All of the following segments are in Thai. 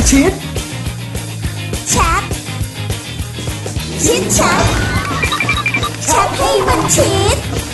ชิดแชทชิดแชทแชทให้มันชิด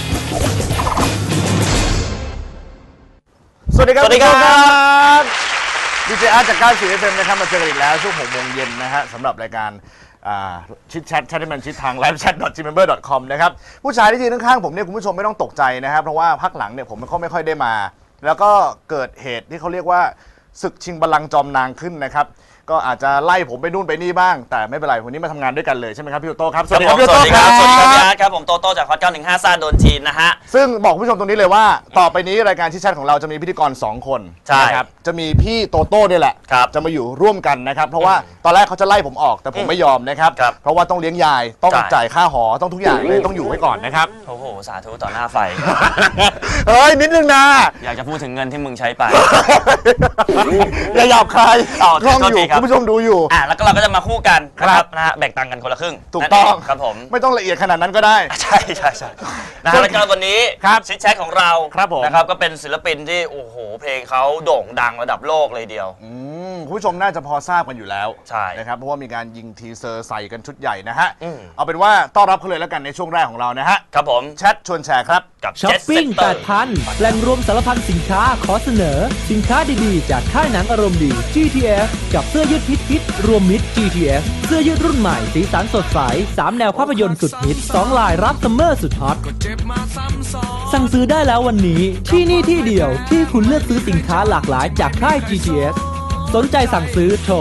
สวัสดีครับดีเจอาร์จาก94FMนะครับมาเจอกันอีกแล้วช่วง 6 โมงเย็นนะฮะสำหรับรายการชิดแชทให้มันชิดทาง livechat.gmember.com นะครับผู้ชายที่ยืนข้างๆผมเนี่ยคุณผู้ชมไม่ต้องตกใจนะครับเพราะว่าพักหลังเนี่ยผมไม่ค่อยได้มาแล้วก็เกิดเหตุที่เขาเรียกว่าศึกชิงบัลลังก์จอมนางขึ้นนะครับก็อาจจะไล่ผมไปนู่นไปนี่บ้างแต่ไม่เป็นไรวันนี้มาทำงานด้วยกันเลยใช่ไหมครับพี่โตโต้ครับสวัสดีครับพี่โตโต้ครับสวัสดีครับผมโตโต้จากฮอต915ซ่าโดนจีนนะฮะซึ่งบอกผู้ชมตรงนี้เลยว่าต่อไปนี้รายการชิดแชทของเราจะมีพิธีกร2 คนนะครับจะมีพี่โตโต้เนี่ยแหละจะมาอยู่ร่วมกันนะครับเพราะว่าตอนแรกเขาจะไล่ผมออกแต่ผมไม่ยอมนะครับเพราะว่าต้องเลี้ยงยายต้องจ่ายค่าหอต้องทุกอย่างเลยต้องอยู่ไว้ก่อนนะครับโอ้โหสาธุต่อหน้าไฟเฮ้ยนิดนึงนะอยากจะพูดถึงเงินที่มึงใช้ไปอย่าหยาบคายกล้องอยู่คุณผู้ชมดูอยู่แล้วก็เราก็จะมาคู่กันนะครับนะฮะแบ่งตังค์กันคนละครึ่งถูกต้องครับผมไม่ต้องละเอียดขนาดนั้นก็ได้ใช่นะฮะแล้วก็วันนี้ชิดแชทของเรานะครับก็เป็นศิลปินที่โอ้โหเพลงเขาโด่งดังระดับโลกเลยเดียวคุณผู้ชมน่าจะพอทราบกันอยู่แล้วใช่นะครับเพราะว่ามีการยิงทีเซอร์ใส่กันชุดใหญ่นะฮะเอาเป็นว่าต้อนรับเขาเลยแล้วกันในช่วงแรกของเรานะฮะครับผมแชทชวนแชร์ครับกับช้อปปิ้ง 8,000 แหล่งรวมสารพันสินค้าขอเสนอสินค้าดีๆจากค่ายหนังอารมณ์ดี GTF กับเสื้อยืดฮิตรวมมิตร GTF เสื้อยืดรุ่นใหม่สีสันสดใส3แนวภาพยนตร์สุดฮิต2ลายรับซัมเมอร์สุดฮอตสั่งซื้อได้แล้ววันนี้ที่นี่ที่เดียวที่คุณเลือกซื้อสินค้าหลากหลายจากค่าย GTF สนใจสั่งซื้อโทร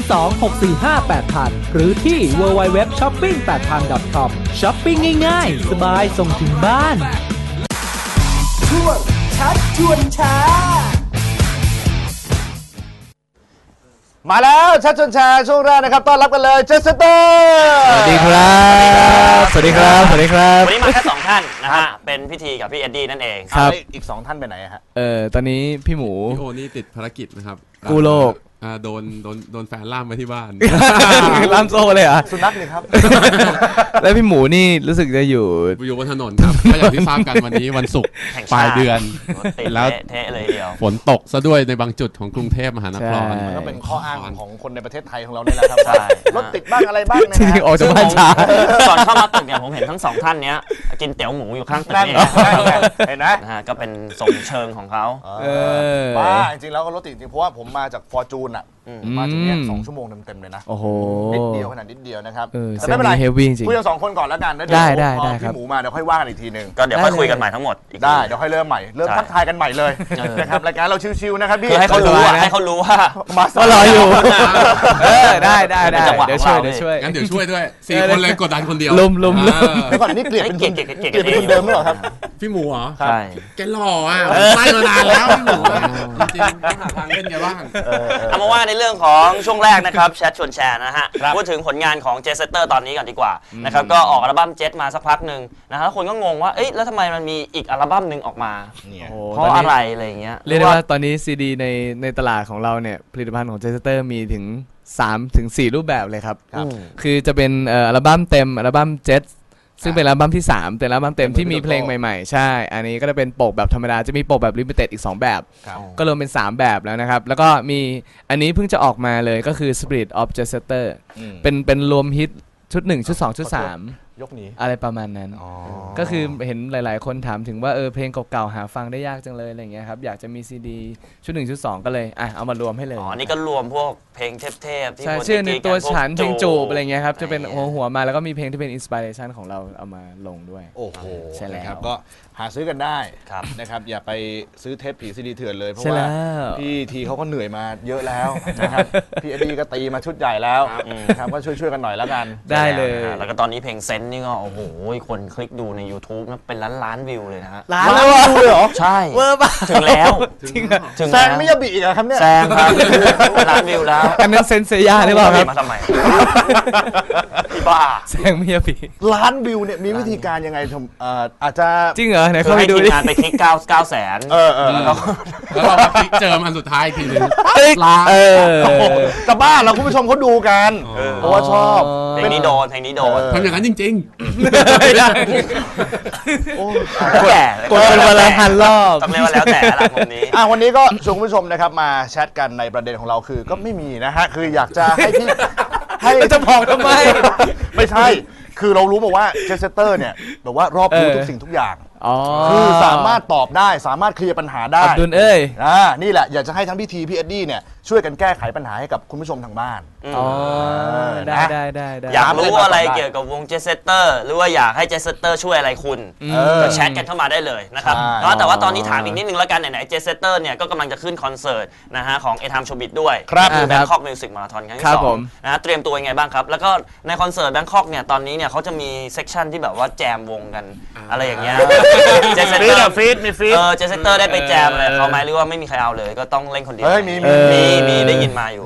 02-645-8000 หรือที่ www.shopping8000.com ช้อปปิ้งง่ายๆสบายส่งถึงบ้านช่วงชัดชวนแชร์มาแล้วชัดชวนแชร์ช่วงแรกนะครับต้อนรับกันเลยเจสเตอร์สวัสดีครับสวัสดีครับสวัสดีครับวันนี้มาแค่2 ท่านนะฮะเป็นพิธีกับพี่เอ็ดดี้นั่นเองครับอีก2 ท่านไปไหนฮะตอนนี้พี่หมูพี่โอนี่ติดภารกิจนะครับกู้โลกโดนแฟนล่ามไปที่บ้านล่ามโซ่เลยอ่ะสุนัขเลยครับแล้วพี่หมูนี่รู้สึกจะอยู่บนถนนครับก็อย่างที่ทราบกันวันนี้วันศุกร์ปลายเดือนแล้วเทะเลยเดียวฝนตกซะด้วยในบางจุดของกรุงเทพมหานครก็เป็นข้ออ้างของคนในประเทศไทยของเราเนี่ยแหละครับรถติดบ้างอะไรบ้างนะฮะออกจากบ้านช้าก่อนเข้ามาตึกเนี่ยผมเห็นทั้ง2 ท่านเนี้ยกินเตี๋ยวหมูอยู่ข้างตึกนี่เห็นไหมนะฮะก็เป็นทรงเชิงของเขาบ้าจริงๆแล้วก็รถติดจริงเพราะว่าผมมาจากฟอร์จูนอ่ะมาถึงเนี่ย2 ชั่วโมงเต็มๆเลยนะโอ้โหนิดเดียวขนาดนิดเดียวนะครับแต่ไม่เป็นไรคุยกัน2 คนก่อนแล้วกันแล้วเดี๋ยวพอพี่หมูมาเดี๋ยวค่อยว่ากันอีกทีนึงก็เดี๋ยวค่อยคุยกันใหม่ทั้งหมดได้เดี๋ยวค่อยเริ่มใหม่เริ่มทักทายกันใหม่เลยนะครับรายการเราชิวๆนะครับพี่ให้เขารู้ว่าก็รออยู่ได้เดี๋ยวช่วยงั้นเดี๋ยวช่วยด้วย4 คนเลยกดดันคนเดียวลุมก่อนนี่เกลียดเป็นคนเดิมหรือเปล่าครับพี่หมูเหรอใช่แกหล่ออ่ะไล่มานานแล้วพี่หมูจริงต้องหาทางเล่นแกบ้างเอามาว่าในเรื่องของช่วงแรกนะครับแชทชวนแชร์นะฮะพูดถึงผลงานของเจสเตอร์ตอนนี้ก่อนดีกว่านะครับก็ออกอัลบั้มเจสมาสักพักหนึ่งนะฮะแล้วคนก็งงว่าเอ๊ะแล้วทำไมมันมีอีกอัลบั้มหนึ่งออกมาเพราะอะไรอะไรอย่างเงี้ยเรียกได้ว่าตอนนี้ซีดีในตลาดของเราเนี่ยผลิตภัณฑ์ของเจสเตอร์มีถึง 3-4 รูปแบบเลยครับคือจะเป็นอัลบั้มเต็มอัลบั้มเจสซึ่งเป็นอัลบั้มที่3เป็นอัลบั้มเต็มที่มีเพลงใหม่ๆใช่อันนี้ก็จะเป็นปกแบบธรรมดาจะมีปกแบบลิมิเต็ดอีก2แบบก็รวมเป็น3แบบแล้วนะครับแล้วก็มีอันนี้เพิ่งจะออกมาเลยก็คือ Spirit of Jester เป็นรวมฮิตชุด1ชุด2ชุด3 ยกนี้อะไรประมาณนั้นก็คือเห็นหลายๆคนถามถึงว่าเพลงเก่าๆหาฟังได้ยากจังเลยอะไรเงี้ยครับอยากจะมีซีดีชุด1ชุด2ก็เลยเอามารวมให้เลยอันนี้ก็รวมพวกเพลงเทพๆที่คนชื่อในตัวฉันเพลงจูบอะไรเงี้ยครับจะเป็นหัวมาแล้วก็มีเพลงที่เป็นอินสปิเรชันของเราเอามาลงด้วยโอ้โหใช่แล้วก็หาซื้อกันได้นะครับอย่าไปซื้อเทปผีซีดีเถื่อนเลยเพราะว่าพี่ทีเขาก็เหนื่อยมาเยอะแล้วนะครับพี่อดีก็ตีมาชุดใหญ่แล้วนะครับก็ช่วยกันหน่อยแล้วกันได้เลยแล้วก็ตอนนี้เพลงเซนนี่ก็โอ้โหคนคลิกดูใน YouTube นะเป็นล้านวิวเลยนะฮะล้านวิวเลยเหรอใช่เวอร์ป่ะถึงแล้วแซงไม่ยาบีอีกครับเนี่ยแซงครับล้านวิวแล้วอันนั้นเซนเซียหรือเปล่าครับมาทำไมพี่บ้าแซงไม่ยาบีล้านวิวเนี่ยมีวิธีการยังไงอาจจะจริงเหรอไหนเข้าไปดูดิไปคลิก900,000 แล้วเราคลิกเจออันสุดท้ายทีนึงล้านจะบ้าเราคุณผู้ชมเขาดูกันเพราะว่าชอบเพลงนี้โดนเพลงนี้โดนทำอย่างนั้นจริงแก่กดเป็นวันละพันรอบต้องเรียกว่าแล้วแต่ละมุมนี้วันนี้ก็ชวนคุณผู้ชมนะครับมาแชทกันในประเด็นของเราคือก็ไม่มีนะฮะคืออยากจะให้พี่ให้จะบอกทำไมไม่ใช่คือเรารู้มาว่าเจสเตอร์เนี่ยแบบว่ารอบรู้ทุกสิ่งทุกอย่างอ๋อคือสามารถตอบได้สามารถเคลียร์ปัญหาได้อับดุลเอ้ยนี่แหละอยากจะให้ทั้งพี่ทีพี่เอ็ดดี้เนี่ยช่วยกันแก้ไขปัญหาให้กับคุณผู้ชมทางบ้านอ๋อนะได้อยากรู้อะไรเกี่ยวกับวงเจสเตอร์หรือว่าอยากให้เจสเตอร์ช่วยอะไรคุณก็แชทกันเข้ามาได้เลยนะครับใช่แต่ว่าตอนนี้ถามอีกนิดนึงแล้วกันไหนๆเจสเตอร์เนี่ยก็กำลังจะขึ้นคอนเสิร์ตนะฮะของเอทามโชบิดด้วยครับคือครับ Bangkok Music Marathon ครั้งคที่รับสอผงมนะฮะเตรียมตัวยังไงบ้างครับแล้วก็ในคอนเสิร์ต Bangkok เนี่ยตอนนี้เนี่ยเขาจะมีเซกชันที่แบบว่าแจมวงกันอะไรอย่างเงี้ยเจสเตอร์ฟีดมีฟีดเจสเตอร์ได้ไปแจมอะไรเขาไหมหรือว่าไม่มีใครเอาเลยก็ต้องเล่นคนเดียวเฮ้ยมีมีได้ยินมาอยู่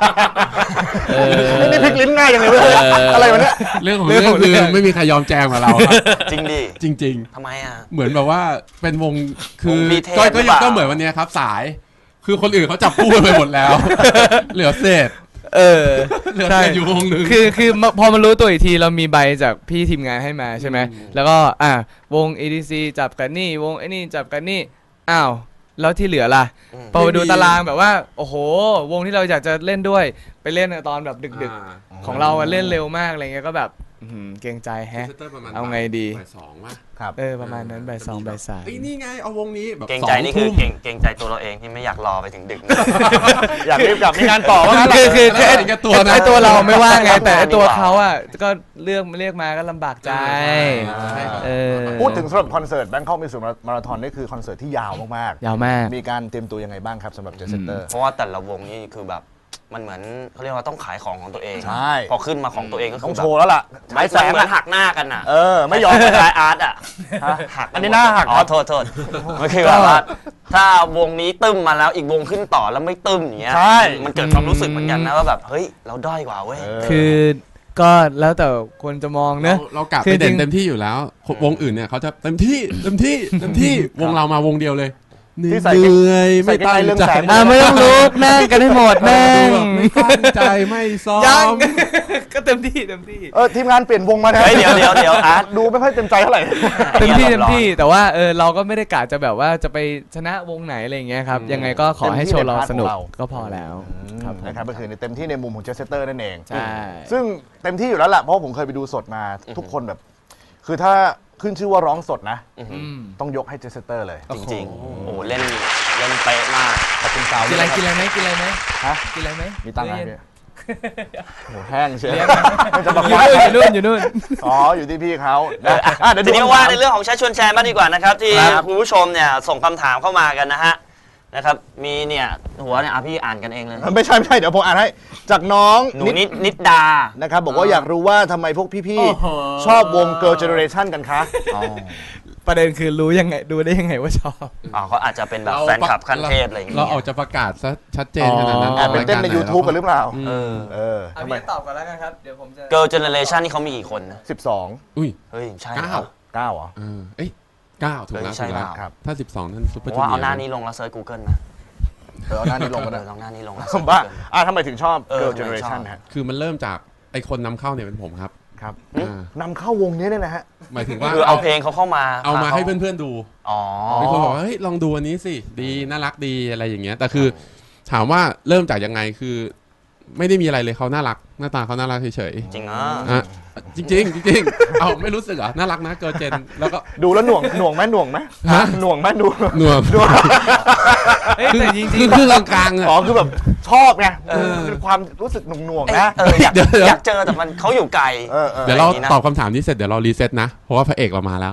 นี่พลิกลิ้นง่ายยังไงเว้ยอะไรวะเนี่ยๆ เรื่องของเรื่องคือไม่มีใครยอมแจมกับเราครับจริงดิจริงทำไมอ่ะๆ เหมือนแบบว่าเป็นวงคือวงบีเทสก็หรือเปล่าก็เหมือนวันเนี้ยครับสาย คือคนอื่นเขาจับคู่กันไปหมดแล้ว เหลือเศษ เหลือเศษอยู่วงหนึ่งคือพอมารู้ตัวอีกทีเรามีใบจากพี่ทีมงานให้มาใช่ไหมแล้วก็วง EDC จับกันนี่วงไอ้นี่จับกันนี่อ้าวแล้วที่เหลือล่ะพอไปดูตารางแบบว่าโอ้โหวงที่เราอยากจะเล่นด้วยไปเล่นตอนแบบดึกๆของเราเล่นเร็วมากอะไรเงี้ยก็แบบเกรงใจแฮะ เอาไงดีบ่ายสองว่ะประมาณนั้นบ่ายสองบ่ายสามไอ้นี่ไงเอาวงนี้แบบเกรงใจนี่คือเกรงใจตัวเราเองที่ไม่อยากรอไปถึงดึกอยากรีบกลับมีงานต่อว่างั้นคือไอ้ตัวนะไอ้ตัวเราไม่ว่าไงแต่ไอ้ตัวเขาก็เรียกมาก็ลำบากใจพูดถึงสำหรับคอนเสิร์ต Bangkok Music Marathon นี่คือคอนเสิร์ตที่ยาวมากยาวมากๆมีการเตรียมตัวยังไงบ้างครับสำหรับเจสเตอร์เพราะว่าแต่ละวงนี่คือแบบมันเหมือนเขาเรียกว่าต้องขายของของตัวเองใช่พอขึ้นมาของตัวเองก็ต้คือ องโชว์แล้วล่ะใช้แสงเหมือนหักหน้ากันอ่ะไม่ยอมคล้ายอาร์ตอ่ะหักอันนี้หน้าหักอ๋อโทษมันคือแบบว่าถ้าวงนี้ตึ้มมาแล้วอีกวงขึ้นต่อแล้วไม่ตึ้มอย่างเงี้ยใช่มันเกิดความรู้สึกเหมือนกันนะว่าแบบเฮ้ยเราด้อยกว่าเว้ยคือก็แล้วแต่คนจะมองเนอะเรากลับคืไปอจริเด่งนเต็มที่อยู่แล้ว วงอื่นเนี่ยเขาจะเต็มที่วงเรามาวงเดียวเลยเหนื่ที่ใส่อยไม่ตั้งเรื่องใจแสงไม่ต้องลุกนั่งกันให้หมดนั่งไม่ตั้งใจไม่ซ้อยังมก็เต็มที่ทีมงานเปลี่ยนวงมานะเฮ้ยเดี๋ยวอาร์ตดูไม่ค่อยเต็มใจเท่าไหร่เต็มที่แต่ว่าเราก็ไม่ได้กะจะแบบว่าจะไปชนะวงไหนอะไรอย่างเงี้ยครับยังไงก็ขอให้โชว์เราสนุกก็พอแล้วครับนะครับก็คือในเต็มที่ในมุมของเจสเตอร์นั่นเองใช่ซึ่งเต็มที่อยู่แล้วแหละเพราะผมเคยไปดูสดมาทุกคนแบบ คือถ้าขึ้นชื่อว่าร้องสดนะ ต้องยกให้เจสเตอร์เลยจริงๆโอ้เล่นเป๊ะมากขอบคุณสาวกินอะไรด้วยไหมฮะกินอะไรไหมมีตังค์ไหมเย็นพี่โหแห้งเชียวเลี้ยงมันจะบอกอยู่ว่านู่นอ๋ออยู่ที่พี่เขานะเดี๋ยวทีดูนี้คำถว่าในเรื่องของแชทชวนแชร์บ้างดีกว่านะครับที่ครับคุณผู้ชมเนี่ยส่งคำถามเข้ามากันนะฮะนะครับมีเนี่ยหัวเนี่ยพี่อ่านกันเองเลยไม่ใช่เดี๋ยวผมอ่านให้จากน้องหนูนิดดานะครับบอกว่าอยากรู้ว่าทำไมพวกพี่ๆชอบวง Girl Generation กันคะประเด็นคือรู้ยังไงดูได้ยังไงว่าชอบเขาอาจจะเป็นแบบแฟนคลับขั้นเทพอะไรอย่างเงี้ยเราออกจะประกาศซะชัดเจนขนาดนั้นแอบไปเต้นใน YouTube กันหรือเปล่าทำไมตอบก่อนแล้วกันครับเดี๋ยวผมจะ Girl Generation นี่เขามีกี่คนนะ 12 อุ้ยเฮ้ยใช่เก้า 9เหรอเอ้ยเก้าถูกแล้วใช่ถูกแล้วเปล่าครับถ้า 12 นั่นซุปเปอร์เพจูราะว่าเนียร์เอาหน้านี้ลงแล้วเซิร์ช Google นะเอาหน้านี้ลงกันนะลองหน้านี้ลงแล้วผมว่าทำไมถึงชอบ Girl ทำไมชอบ Generation ฮะคือมันเริ่มจากไอคนนำเข้าเนี่ยเป็นผมครับครับอ่านำเข้าวงนี้เนี่ยนะฮะหมายถึงว่าคือเอาเพลงเขาเข้ามาเอามาให้เพื่อนๆดูอ๋อมีคนบอกว่าเฮ้ยลองดูอันนี้สิดีน่ารักดีอะไรอย่างเงี้ยแต่คือถามว่าเริ่มจากยังไงคือ ไม่ได้มีอะไรเลยเขาน่ารักหน้าตาเขาน่ารักเฉยจริงอ่ะๆอ่ะจริงๆจริงๆเอาไม่รู้สึกเหรอน่ารักนะเกิร์ลเจนแล้วก็ดูแล้วหน่วงไหมหน่วงไหมฮะหน่วงไหมดูหนวมเฮ้ยแต่จริงคือกลางๆอ่ะอ๋อคือแบบชอบไงเป็นความรู้สึกหน่วงๆนะอยากเจอแต่มันเขาอยู่ไกลเดี๋ยวเราตอบคำถามนี้เสร็จเดี๋ยวเรารีเซ็ตนะเพราะว่าพระเอกเรามาแล้ว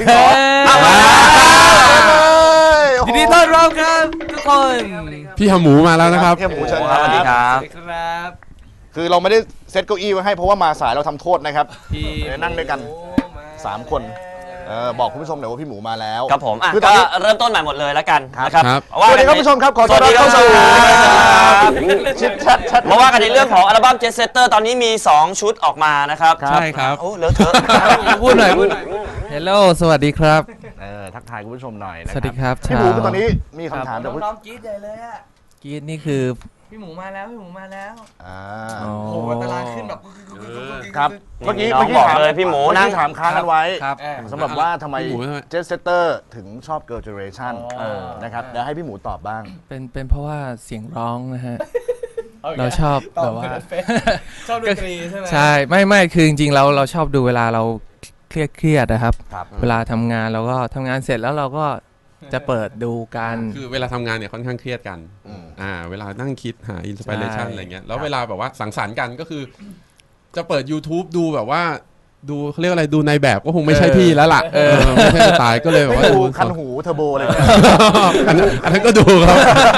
ยินดีต้อนรับครับทุกคนพี่หมูมาแล้วนะครับพี่หมูเชิญสวัสดีครับสวัสดีครับคือเราไม่ได้เซตเก้าอี้ไว้ให้เพราะว่ามาสายเราทำโทษนะครับพี่นั่งด้วยกัน 3 คนบอกคุณผู้ชมหน่อยว่าพี่หมูมาแล้วครับผมคือตอก็นนี้เริ่มต้นใหม่หมดเลยแล้วกันนะครับครับสวัสดีครับผู้ชมครับขอต้อนรับเข้าสู่ชิดชัดมาว่ากันในเรื่องของอัลบั้ม Jet Setter ตอนนี้มี 2 ชุดออกมานะครับใช่ครับโอ้เลอะเทอะพูดหน่อยเฮลโลสวัสดีครับทักทายคุณผู้ชมหน่อยนะสวัสดีครับพี่หมูคือตอนนี้มีคำถามจากผู้น้องกรี๊ดใหญ่เลยอะกรีดนี่คือพี่หมูมาแล้วพี่หมูมาแล้วอ่าโอ้โหตารางขึ้นแบบครับเมื่อกี้น้องบอกเลยพี่หมูนั่งถามค้างกันไว้ครับสำหรับว่าทำไมพี่หมูทำไมเจสเตอร์ถึงชอบ Girl Generation นะครับเดี๋ยวให้พี่หมูตอบบ้างเป็นเพราะว่าเสียงร้องนะฮะ เราชอบแบบว่าชอบดนตรีใช่ไหมใช่ไม่คือจริงๆเราชอบดูเวลาเราเครียดนะครับครับเวลาทำงานเราก็ทำงานเสร็จแล้วเราก็จะเปิดดูกันคือเวลาทำงานเนี่ยค่อนข้างเครียดกันอืมเวลานั่งคิดหาอินสปิเรชันใช่อะไรเงี้ยแล้วเวลาแบบว่าสังสรรค์กันก็คือ จะเปิด YouTube ดูแบบว่าดูเขาเรียกอะไรดูในแบบก็คงไม่ใช่พี่แล้วล่ะไม่ใช่สไตล์ก็เลยแบบไม่ว่าดูดูคันหูเทอร์โบอะไรเนี่ยอันนั้นก็ดูครับ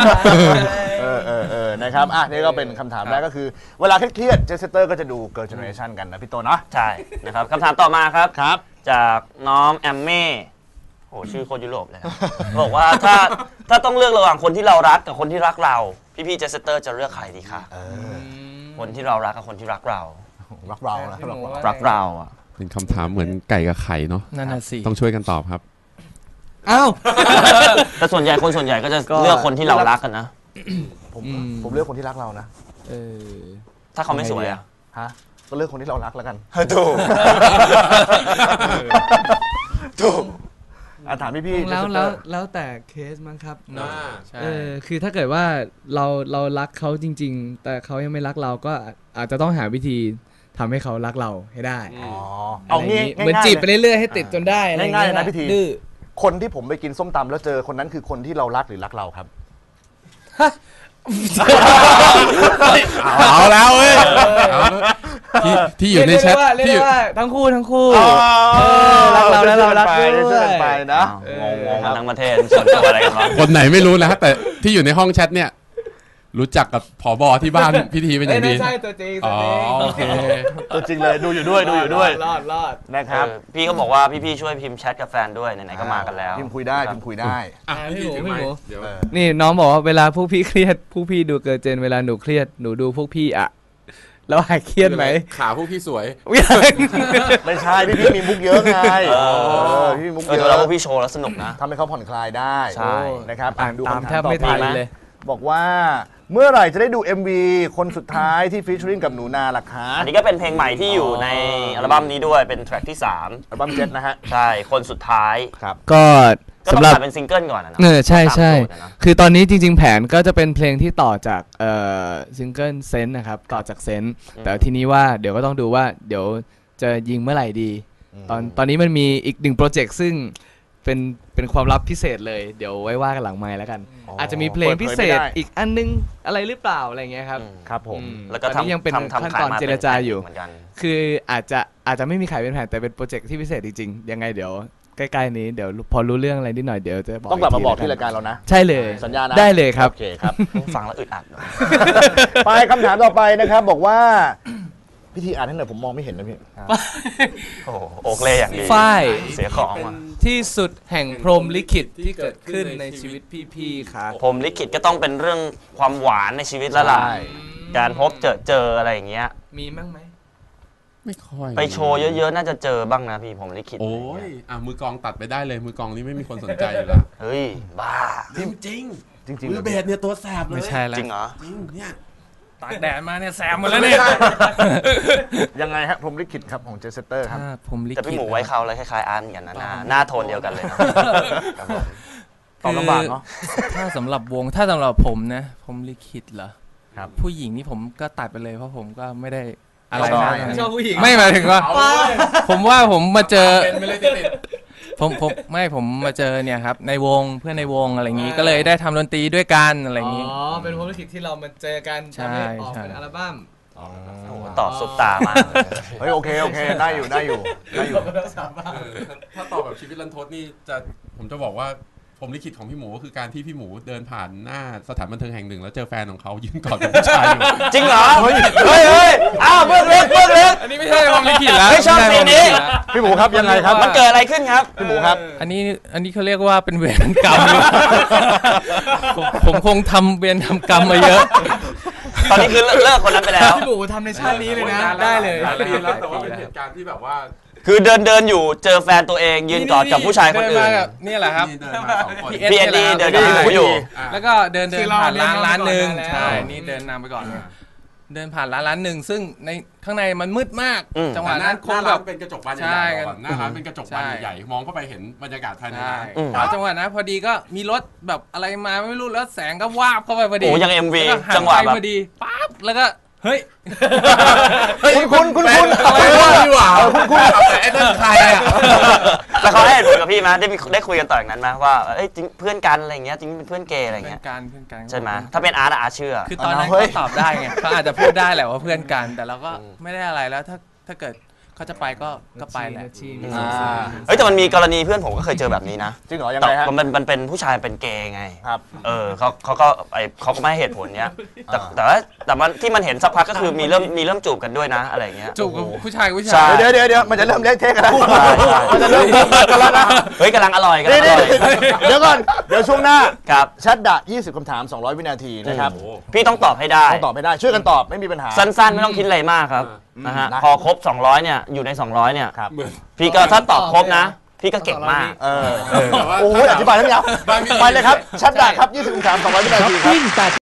นะครับอ่ะนี่ก็เป็นคำถามแรกก็คือ เวลาเครียดเจสเตอร์ก็จะดู Girl Generation กันนะพี่โตเนาะใช่นะครับคำถามต่อมาครับครับจากน้องแอมเม่โหชื่อโคตรยุโรปเลยครับ บอกว่าถ้าต้องเลือกระหว่างคนที่เรารักกับคนที่รักเรา พี่เจสเตอร์จะเลือกใครดีคะคนที่เรารักกับคนที่รักเรารักเรานะรักเราอ่ะเป็นคำถามเหมือนไก่กับไข่เนาะนั่นน่ะสิต้องช่วยกันตอบครับอ้าวแต่ส่วนใหญ่ก็จะเลือกคนที่เรารักกันนะผมเลือกคนที่รักเรานะถ้าเขาไม่สวยอ่ะฮะก็เลือกคนที่เรารักแล้วกันถูกถูกถามพี่ๆแล้วแต่เคสมั้งครับใช่คือถ้าเกิดว่าเรารักเขาจริง ๆ แต่เขายังไม่รักเราก็อาจจะต้องหาวิธีทำให้เขารักเราให้ได้อ๋อเอาเอางี้เหมือนจีบไปเรื่อยๆให้ติดจนได้อะไรง่ายๆเลยนะพี่ทีดื้อคนที่ผมไปกินส้มตำแล้วเจอคนนั้นคือคนที่เรารักหรือรักเราครับเอาแล้วเว้ยที่อยู่ในแชทเรียกที่ได้ว่าทั้งคู่รัรักเราแล้วเรารักด้วยช่วยกันไปนะงงกันทั้งประเทศส่วนตัวอะไรกันวะคนไหนไม่รู้นะแต่ที่อยู่ในห้องแชทเนี่ย รู้จักกับผบที่บ้านพิธีเป็นอย่างดีใช่ตัวจริงอ๋อโอเคตัวจริงเลยดูอยู่ด้วยรอดนะครับพี่ก็บอกว่าพี่ช่วยพิมพ์แชทกับแฟนด้วยไหนๆก็มากันแล้วพิมพ์คุยได้พิมพ์คุยได้อ่ะพี่หมูถือพี่ไมหมูค์เดี๋ยวนี่น้องบอกว่าเวลาพวกพี่เครียดพวกพี่ดูเกิร์ลเจนเวลาหนูเครียดหนูดูพวกพี่อะแล้วหายเครียดไหมขาพวกพี่สวยไม่ใช่พี่มีมุกเยอะไงพี่มีมุกเยดูอะแล้วพวกพี่โชว์แล้วสนุกนะทำให้เขาผ่อนคลายได้ใช่นะครับอ่านดูตามคำแทถามบต่อไม่ไปทันนะเลยบอกว่าเมื่อไหร่จะได้ดู MV คนสุดท้ายที่ฟีเจอริ่งกับหนูนาล่ะคะอันนี้ก็เป็นเพลงใหม่ที่อยู่ในอัลบั้มนี้ด้วยเป็นแทร็กที่อัลบั้มเจ็ดนะฮะ 3 ใช่คนสุดท้ายครับก็ก็ต้องสำหรับขายเป็นซิงเกิลก่อนนะเนอะใช่ตามโจทย์อะนะคือตอนนี้จริง ๆ แผนก็จะเป็นเพลงที่ต่อจากซิงเกิลเซนต์นะครับต่อจากเซนต์แต่ทีนี้ว่าเดี๋ยวก็ต้องดูว่าเดี๋ยวจะยิงเมื่อไหร่ดี ตอนนี้มันมีอีกหนึ่งโปรเจกต์ซึ่งเป็นความลับพิเศษเลยเดี๋ยวไว้ว่ากันหลังไมค์แล้วกัน อาจจะมีเพลงพิเศษอีกอันนึงอะไรหรือเปล่าอะไรเงี้ยครับครับผมแล้วก็ตอนนี้ยังเป็นทำขั้นขายตอนมาเจรจาอยู่เหมือนกันคืออาจจะไม่มีขายเป็นแผ่นแต่เป็นโปรเจกต์ที่พิเศษจริงๆยังไงเดี๋ยวใกล้ๆนี้เดี๋ยวพอรู้เรื่องอะไรนิดหน่อยเดี๋ยวจะบอกต้องกลับมาบอกทีที่ละรายการเรานะใช่เลยสัญญานะได้เลยครับโอเคครับฟังแล้วอึดอัดเนอะไปคำถามต่อไปนะครับ บอกว่าพิธีอ่านให้หน่อยผมมองไม่เห็นนะพี่โอ้โหโอกเล่อย่างดีฝ้ายเสียของอ่ะที่สุดแห่งพรหมลิขิตที่เกิดขึ้นในชีวิตพี่ๆครับผมลิขิตก็ต้องเป็นเรื่องความหวานในชีวิตแล้วล่ะใช่การพบเจออะไรอย่างเงี้ยมีมั้งไหมไม่ค่อยไปโชว์เยอะๆน่าจะเจอบ้างนะพี่ผมลิขิตโอ้ยมือกองตัดไปได้เลยมือกองนี่ไม่มีคนสนใจอยู่แล้วเฮ้ยบ้าจริงจริงมือเบสเนี่ยตัวแสบเลยไม่ใช่แล้วจริงเหรอจริงเนี่ยตากแดดมาเนี่ยแซมหมดแล้วเนี่ยยังไงฮะผมลิขิตครับของเจสเตอร์ครับถ้าผมลิขิตแต่พี่หมูไว้เขาเลยคล้ายๆอาร์ตเหมือนกันนะหน้าโทนเดียวกันเลยนะครับผมตอบลำบากเนาะถ้าสำหรับวงถ้าสำหรับผมนะผมลิขิตเหรอครับผู้หญิงนี่ผมก็ตัดไปเลยเพราะผมก็ไม่ได้อะไรชอบนะชอบผู้หญิงไม่หมายถึงว่า ผมว่าผมมาเจอเป็นไปเลยติดผมมาเจอเนี่ยครับในวงเพื่อนในวงอะไรอย่างงี้ก็เลยได้ทำดนตรีด้วยกันอะไรอย่างงี้เป็นพรหมลิขิตที่เรามาเจอกันใช่ทำให้ออกใช่เป็นอัลบั้มโอ้โหตอบซุปตามากเลยเฮ้ยโอเคได้อยู่ถ้าตอบแบบชีวิตรันทดนี่ผมจะบอกว่าผมลิขิตของพี่หมูก็คือการที่พี่หมูเดินผ่านหน้าสถานบันเทิงแห่งหนึ่งแล้วเจอแฟนของเขายืนกอดกับผู้ชายอยู่จริงเหรอเฮ้ยอ้าวเบื้องลึกอันนี้ไม่ใช่ผมลิขิตแล้วไม่ชอบเพลงนี้พี่หมูครับยังไงครับมันเกิดอะไรขึ้นครับพี่หมูครับอันนี้เขาเรียกว่าเป็นเวรกรรม ผมคงทำเวรทำกรรมมาเยอะตอนนี้คือเลิกคนนั้นไปแล้วพี่หมูทำในชาตินี้เลยนะ ได้เลยหลายปีแล้วแต่ว่าเป็นเหตุการณ์ที่แบบว่าคือเดินอยู่เจอแฟนตัวเองยืนกอดกับผู้ชายคนอื่นเดิมากับนี่แหละครับนี่เดินมาสองคนพี่เอ็ดดี้เดินกับพี่หมูอยู่แล้วก็เดินผ่านร้านหนึ่งแล้วใช่นี่เดินนำไปก่อนเลยเดินผ่านร้านหนึ่งซึ่งในข้างในมันมืดมากอืมจังหวะหนั้นคงน้าแบร้าบนเป็นกระจกบานใช่ใหญ่ๆก่อนหน้าร้านเป็นกระจกบานใช่ใหญ่ๆมองเข้าไปเห็นบรรยากาศภายในใช่ร้านอืมแล้วจังหวะนั้นพอดีก็มีรถแบบอะไรมาไม่รู้แล้วแสงก็วาบเข้าไปพอดีโอ้ยัง MV แล้วก็หันจังหวะไปแบบพอดีปั๊บแล้วก็เฮ้ยคุณอะไรวะดีกว่าแต่ไอ้นั่นใครอ่ะแล้วเขาให้เหตุผลกับพี่ไหมได้คุยกันต่ออย่างนั้นไหมว่าเอ้ยจริงเพื่อนกันอะไรเงี้ยจริงเป็นเพื่อนเกย์อะไรเพื่อเงี้นยกันเพื่อนกันใช่ไหมถ้าเป็นอาร์ตเชื่อคือตอนนั้นเฮ้ยเขาตอบได้ไงเขาอาจจะพูดได้แหละว่าเพื่อนกัน แต่เราก็ไม่ได้อะไรแล้วถ้าเกิดเขาจะไปก็ไปแหละอ่าเฮ้ยแต่มันมีกรณีเพื่อนผมก็เคยเจอแบบนี้นะจริงเหรอยังแต่ไงฮะมันเป็นผู้ชายเป็นเกย์ไงครับเขาก็ไม่ให้เหตุผลเนี้ยแต่มันที่มันเห็นสักพักก็คือมีเริ่มจูบกันด้วยนะอะไรเงี้ยจูบกับผู้ชายกับผู้ใช่ชายเดี๋ยวมันจะเริ่มเละเทะกันแล้วมันจะเริ่มกันแล้วนะเฮ้ยกำลังอร่อยนี่กำลังอร่อยเดี๋ยวก่อนเดี๋ยวช่วงหน้าครับแชทดะ20คำถาม200วินาทีนะครับพี่ต้องตอบให้ได้ต้องตอบไม่ได้ช่วยกันตอบไม่มีปัญหาสั้นๆ ไม่ต้องคิดอะไรมากครับนะฮะนะพอครบ 200 เนี่ยอยู่ใน 200 เนี่ยครับพี่ก็ถ้าตอบครบนะ พี่ก็เก่งมากโอ้โหอธิบายทั้งยาวไปเลยครับแชทดะครับ20คำถาม200วินาทีครับวิ่ง